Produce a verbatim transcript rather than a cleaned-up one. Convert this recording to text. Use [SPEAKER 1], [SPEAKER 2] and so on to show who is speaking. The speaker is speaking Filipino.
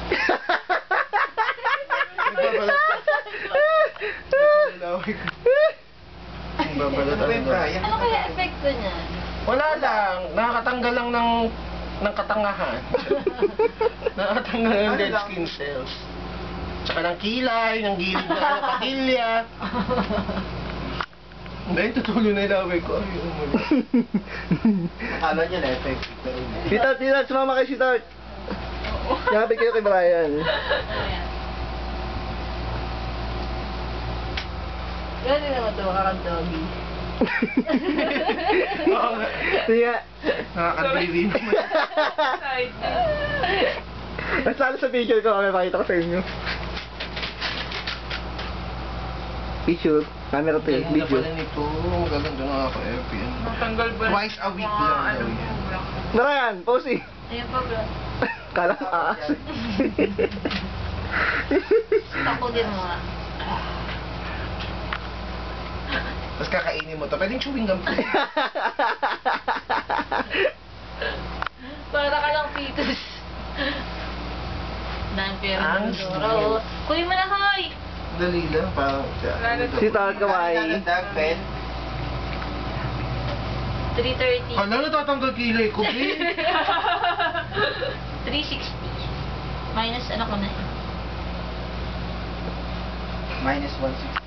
[SPEAKER 1] Nagbabalat ka. Nagbabalat ka. Nagbabalat ka.
[SPEAKER 2] Ano kaya epekto niya?
[SPEAKER 1] Wala lang. Nakakatanggal lang ng ng katangahan. Nakakatanggal ng dead skin cells. Tsaka ng kilay, ng gilid na ano, patilya. Dahil tutuloy na ilaway ko. Ay, umuli. Akala niya na effect.
[SPEAKER 3] Sweetheart, sweetheart, sumama kayo, sweetheart. Yakapin kayo kay Brian.
[SPEAKER 2] Gano'n naman ito, kakag-doggy.
[SPEAKER 1] Oo nga.
[SPEAKER 3] Sige nga.
[SPEAKER 1] Nakakadiri naman.
[SPEAKER 3] Mas lalo sa picture ko, may pakita ko sa inyo. Picture. Camera to eh.
[SPEAKER 1] Ganda
[SPEAKER 3] Video.
[SPEAKER 1] pala nito. Magaganda na ako F P N.
[SPEAKER 4] Matanggal ba?
[SPEAKER 1] Twice a week lang daw yan.
[SPEAKER 3] Brian, pose eh.
[SPEAKER 2] Ayun pa, bro.
[SPEAKER 3] Kala ko aas.
[SPEAKER 2] Ako din mo nga.
[SPEAKER 1] Tapos kakainin mo to. Pwedeng chewing gum.
[SPEAKER 2] Para ka lang fetus. Dahil pero
[SPEAKER 1] Ang
[SPEAKER 2] Doro. Kuya mo na, hoy!
[SPEAKER 1] Dali lang. Parang
[SPEAKER 3] Sweetheart, kawaii.
[SPEAKER 2] three thirty.
[SPEAKER 1] Hala, natatanggal kilay ko, babe.
[SPEAKER 2] three sixty. Minus ano ko na.
[SPEAKER 1] Minus one sixty.